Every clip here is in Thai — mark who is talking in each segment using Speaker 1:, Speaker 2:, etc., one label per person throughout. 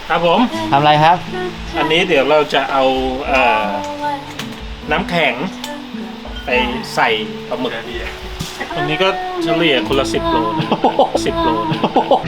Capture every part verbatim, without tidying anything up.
Speaker 1: ครับผม
Speaker 2: ทำอะไรครับ
Speaker 1: อันนี้เดี๋ยวเราจะเอาเอ่อน้ำแข็งไปใส่ปลาหมึกอันนี้ก็เฉลี่ยคนละสิบโลนะสิบโลนะ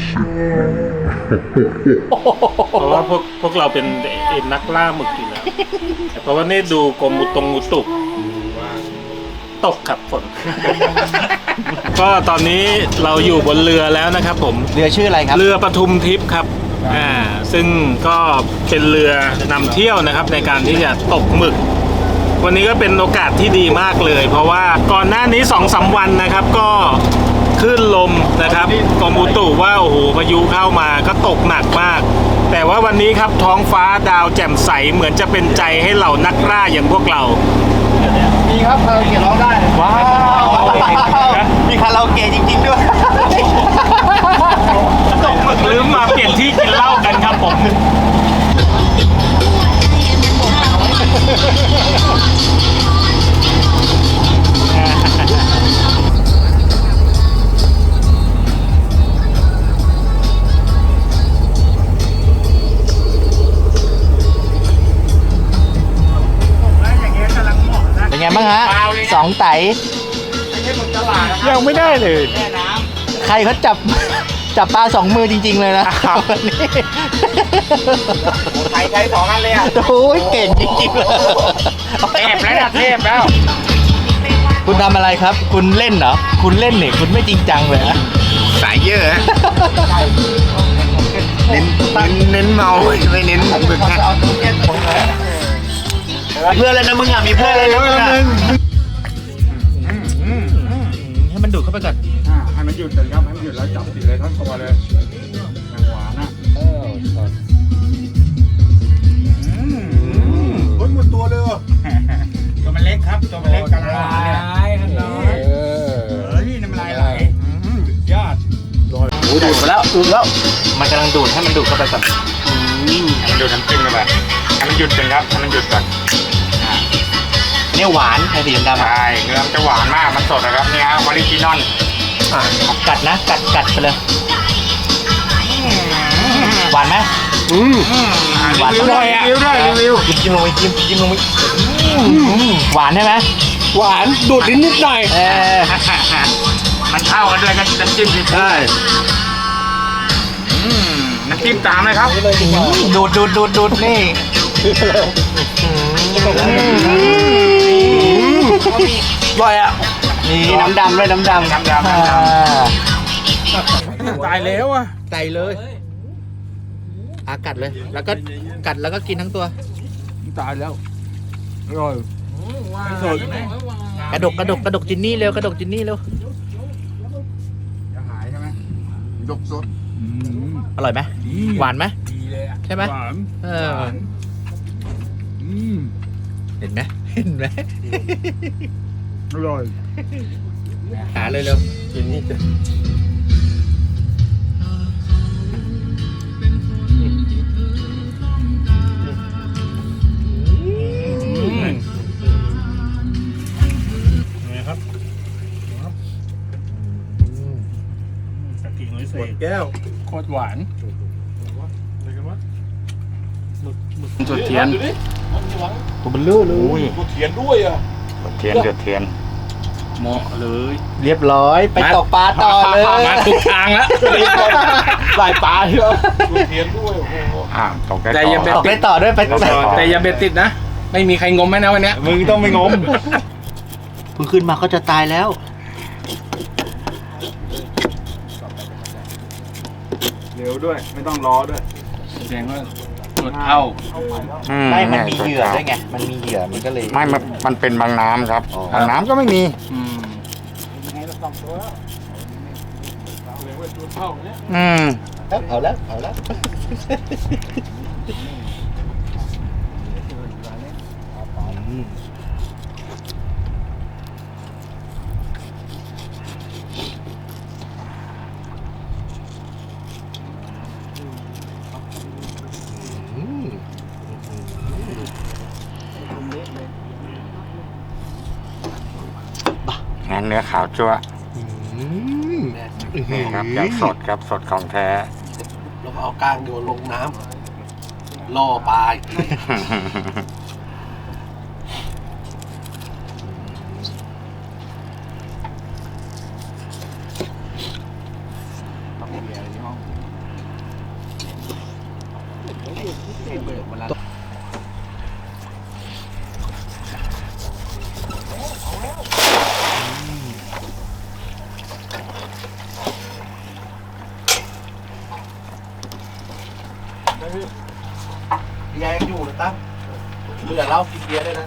Speaker 1: เพราะว่าพวกพวกเราเป็นเอ็นนักล่าหมึกอยู่แล้วเพราะว่านี่ดูกรมอุตงอุตุตกครับฝน ก็ตอนนี้เราอยู่บนเรือแล้วนะครับผม
Speaker 2: เรือชื่ออะไรครับ
Speaker 1: เรือปทุมทิพย์ครับอ่าซึ่งก็เป็นเรือนำเที่ยวนะครับในการที่จะตกหมึก วันนี้ก็เป็นโอกาสที่ดีมากเลย เพราะว่าก่อนหน้านี้ สองสาม วันนะครับก็คลื่นลมนะครับกรมอุตุว่าโอ้โหพายุเข้ามาก็ตกหนักมาก แต่ว่าวันนี้ครับท้องฟ้าดาวแจ่มใสเหมือนจะเป็นใจให้เหล่านักล่าอย่างพวกเรา
Speaker 2: มีครับคาราโอเกะร้องได้ว้าวมีคาราโอเกะจริงๆด้วย
Speaker 1: ตกหมึกลืมมาเปลี่ยนที่กินเหล้ากันครับผม
Speaker 2: เป็นไงบ้างฮะสองไต
Speaker 1: ยังไม่ได้เลย
Speaker 2: ใครเขาจับ จับปลาสองมือจริงๆเลยนะวันนี้
Speaker 3: ใครใช้สองอันเลยอ่ะ
Speaker 2: โอ้ยเก่งจริงๆเลย
Speaker 3: เทพแล้วนะเทพแล้ว
Speaker 2: คุณทำอะไรครับ คุณเล่นเหรอ คุณเล่นเนี่ยคุณไม่จริงจังเลยนะ
Speaker 3: สายเยอะฮะเน้นเน้นเน้นเมาไม่เน้นผมเป็นแค่
Speaker 2: เพื่อนเลยนะมึงอ่ะมีเพื่อนเลยนะมึงอ่ะให้มันดูดเข้าไปก่อน
Speaker 4: อ่าให้มันหยุดเลยครับให้มันหยุดแล้วจับติดเลยทั้งตัวเลยอย่างหวานอ่ะอืมเฮ้ยหมดตัวเลยว่ะ
Speaker 3: ตัวมันเล็กครับตัวมันเล็กกำลังหวานเลย
Speaker 4: เฮ้ยน้ำลายไหลสุดยอด
Speaker 2: ดูดมาแล้วดูดแล้ว มันกำลังดูดให้มันดูดเข้าไปก่อน
Speaker 3: ให้มันดูดน้ำจิ้มกันไปให้มันหยุดกันครับให้มันหยุดก่อน
Speaker 2: เนี่ยหวานไอ้สีดำๆอ่ะ
Speaker 3: ใช่เนื้อมันจะหวานมากมันสดนะครับนี่ฮะออริจินอล
Speaker 2: กัดนะกัดกัดไปเลยหวานไหม
Speaker 3: อืม
Speaker 2: หวาน
Speaker 3: รีวิวด้วยรีวิวด้วยรีวิว
Speaker 2: จิ้มจิ้มลงไปจิ้มจิ้มลงไปหวานใช่ไหม
Speaker 1: หวานดูดนิดหน่อย
Speaker 2: เออ
Speaker 3: มันเข้ากันด้วยกันน้ำจิ้มสิ
Speaker 1: ใช่
Speaker 3: อืมน้ำจิ้มตามเลยครับ
Speaker 2: ดูดดูดดูดดูดนี่
Speaker 1: อร่อยอ่ะ
Speaker 2: นี่น้ำดำด้วยน้ำดำ
Speaker 3: น้ำดำน้ำด
Speaker 1: ตายแล้วอ่ะ
Speaker 2: ใส่เลยอากัดเลย แล้วก็กัดแล้วก็กินทั้งตัว
Speaker 4: ตายแล้วอร่อยสด
Speaker 2: กระดกกระดกกระดกจินนี่เร็วกระดกจินนี่เร็ว
Speaker 4: จะหายใช่ไหมดกสด
Speaker 2: อร่อยไหมหวานไหม
Speaker 4: ดีเลยอ่ะ
Speaker 2: ใช่ไหม
Speaker 4: หวาน
Speaker 2: เออ
Speaker 4: อืม
Speaker 2: เห็นไหมเห็นไหม
Speaker 4: อร่อย
Speaker 2: หาเลยเร็วจินนี่จะ
Speaker 1: นี่ครับตะกี้น้อยเศษ
Speaker 4: แก้วโคตรหวาน
Speaker 3: จุดเทียน
Speaker 2: ผมเป็นลู่เลย
Speaker 4: เขียนด้วยอ่ะ
Speaker 3: จุดเทียนจุดเทียน
Speaker 1: เหมาะเลย
Speaker 2: เรียบร้อยไปตกปลาต่อเลย
Speaker 1: มาถูกทางแล้ว
Speaker 2: หลายปลาเยอะ
Speaker 4: เขียนด้วยโอ้โห
Speaker 3: อ่าตกได้
Speaker 1: แต่
Speaker 3: ต่
Speaker 1: อย่า
Speaker 3: อ
Speaker 1: ไป
Speaker 2: ตกได้ต่อด้วยไป
Speaker 1: แต่อย่าเบ็ดติดนะ ไม่มีใครงมไหมนะวันเนี้ย
Speaker 4: มึงต้องไม่งม
Speaker 2: เพิ่งขึ้นมาก็จะตายแล้ว
Speaker 4: เร็วด้วยไม่ต้องรอด้วย
Speaker 1: แสดงว่าหมดเข้า
Speaker 3: อื
Speaker 2: ไม่มันมีเหยื่อด้วยไงมันมีเหยื่อมันก็เลย
Speaker 3: ไม่มันมันเป็นบางน้ำครับ
Speaker 2: อ๋อ
Speaker 3: บางน้ำก็ไม่มี
Speaker 1: อืม
Speaker 3: อืม
Speaker 2: เอาแล้วเอาแล้ว
Speaker 3: งั้นเนื้อขาวจั่วนี่ครับยังสดครับสดของแท้
Speaker 2: เราเอากลางโยนลงน้ล่อปลาพี่ยายยังอยู่นะตั้มเบื่อเหล้ากินเบียร์ได้นะ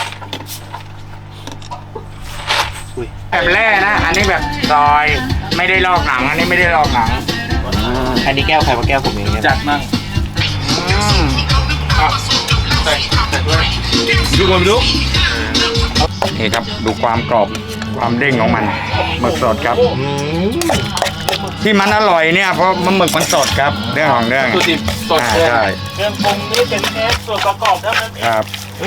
Speaker 3: แบบแร่นะ อันนี้แบบซอยไม่ได้ลอกหนัง อันนี้ไม่ได้ลอกหนัง
Speaker 2: อันนี้แก้วใครว่าแก้วผมเองจัดมั่ง
Speaker 3: อืมอ่ะใส่ใส่ด้วย
Speaker 2: ดูก่อนดู
Speaker 3: นี่ครับดูความกรอบความเด้งของมันหมึกสดครับ ที่มันอร่อยเนี่ยเพราะมันหมึกมันสดครับเรื่องของเรื่อง
Speaker 2: ตัวดิบสด
Speaker 3: อ่า
Speaker 2: เลย
Speaker 3: ใช่
Speaker 1: เครื่องปรุงนี่เป็นแค่ส่วนประกอบเท่านั้นเอง
Speaker 3: ครับ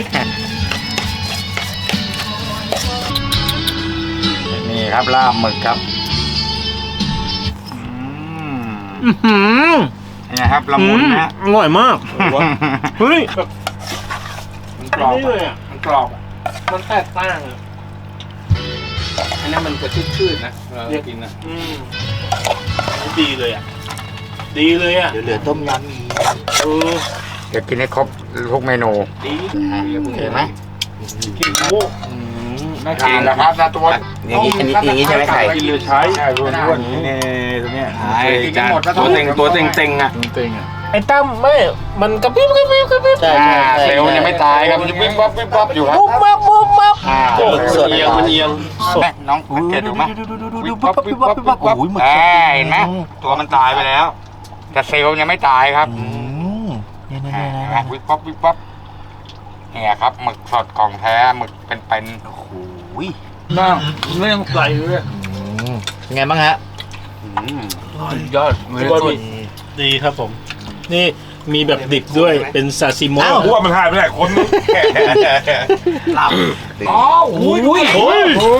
Speaker 3: นี่ครับลาบหมึกครับอืม
Speaker 1: อื้อหือ
Speaker 3: นี่นะครับละมุนนะ
Speaker 1: อร่อยมาก เฮ้ย
Speaker 3: มันกรอบ
Speaker 1: นี่เลย
Speaker 3: อะ
Speaker 1: อ่ะ
Speaker 3: มันกรอบอะ
Speaker 1: มันแตกต่างอ่ะ
Speaker 2: อันนี้มันจะชืดๆนะเรียกกินนะ
Speaker 1: อืมดีเลยอ่ะ ดีเลยอ่ะ
Speaker 2: เดี๋ยวเหลือต้มยำอีก
Speaker 1: เออ
Speaker 3: เดี๋ยวกินให้ครบทุกเมนู
Speaker 1: ดี
Speaker 3: เห็นไหม
Speaker 1: กินโอ้
Speaker 3: น่ากินนะครับนะตัว
Speaker 2: อย่างนี้อันนี้อย่างนี้ใช่ไหมไข่
Speaker 3: กินเลยใช้ใช่ล้วนๆนี่ตัวเนี้ย
Speaker 2: ใช่
Speaker 3: กินกันหมดแล้ว
Speaker 2: ตัวเต็งตัวเต็งเต็งๆอ่ะ
Speaker 4: เต็งๆอ่ะ
Speaker 1: ไอ้ตั้มไม่ มันกระพริบกระพริบกระพริบ
Speaker 2: ใช่
Speaker 3: อ่า
Speaker 2: ใช่
Speaker 3: เซลล์ยังไม่ตายครับมันจะวิบวับวิบวับอยู่ครับ
Speaker 1: ปุ๊บมับปุ๊บมับ
Speaker 3: อ่า
Speaker 1: โอ้
Speaker 2: หมึกสด
Speaker 1: เอียงมันเอียง
Speaker 3: แม่น้องสังเกตดูไหม
Speaker 2: วิบวับวิบวับวิบวับโอ้ยหมึกสด
Speaker 3: อ่าเห็นไหมตัวมันตายไปแล้ว แต่เซลล์ยังไม่ตายครับ
Speaker 2: อืมเนี่ยเนี่ย
Speaker 3: อ่า
Speaker 2: เนี่ย
Speaker 3: เห็นไหม
Speaker 2: นะ
Speaker 3: วิบวับวิบวับเนี่ยครับหมึกสดของแท้หมึกเป็น
Speaker 2: โอ้โห
Speaker 1: น่าไม่ต้องใส่เลย
Speaker 2: ไงบ้างฮะ
Speaker 1: ยอดดีครับผม นี่มีแบบดิบด้วยเป็นซาซิโมะ
Speaker 2: อ้าว
Speaker 4: ว่ามันหายไปไหนคนนึง
Speaker 2: หลับ
Speaker 3: อ๋ออุ้ยอุ้ย
Speaker 1: โอ้ย
Speaker 2: โอ้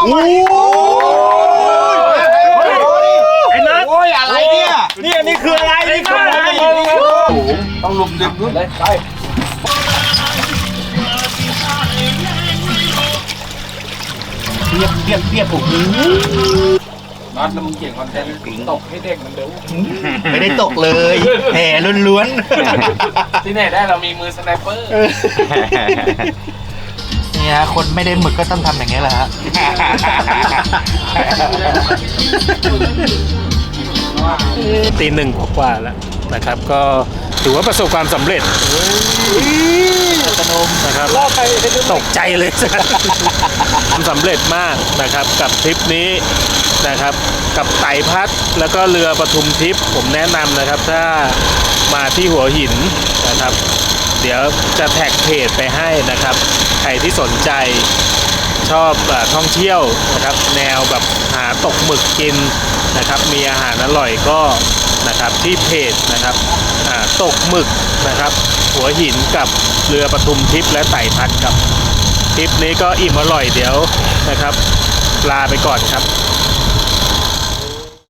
Speaker 2: ย
Speaker 1: ไอ้นัท
Speaker 3: โอ้ยอะไรเนี่ย
Speaker 1: นี่อันนี้คืออะไรนี่คืออะไร
Speaker 3: ต้องลุมดึงด้วย
Speaker 2: เรียบเรียบเรียบผม
Speaker 3: นัดแล้วมึงเก่งคอนเทนต์ตกให้เด็กมันเร็ว
Speaker 2: ไม่ได้ตกเลยแห่ล้วน
Speaker 3: ที่ไหนได้เรามีมือสไนเปอร์
Speaker 2: ๆนี่ฮะคนไม่ได้หมึกก็ต้องทำอย่างนี้แหละฮะ
Speaker 1: ตีหนึ่งกว่าๆแล้วนะครับ ก็ถือว่าประสบความสำเร็จนะครับตกใจเลย ทำสำเร็จมากนะครับกับทริปนี้นะครับกับไต่พัดแล้วก็เรือปทุมทิพย์ผมแนะนำนะครับถ้ามาที่หัวหินนะครับ เดี๋ยวจะแท็กเพจไปให้นะครับใครที่สนใจชอบเอ่อท่องเที่ยวนะครับแนวแบบหาตกหมึกกินนะครับมีอาหารอร่อยก็นะครับที่เพจนะครับอ่าตกหมึกนะครับหัวหินกับเรือปทุมทิพย์และไต่พัดครับทริปนี้ก็อิ่มอร่อยเดี๋ยวนะครับลาไปก่อนครับ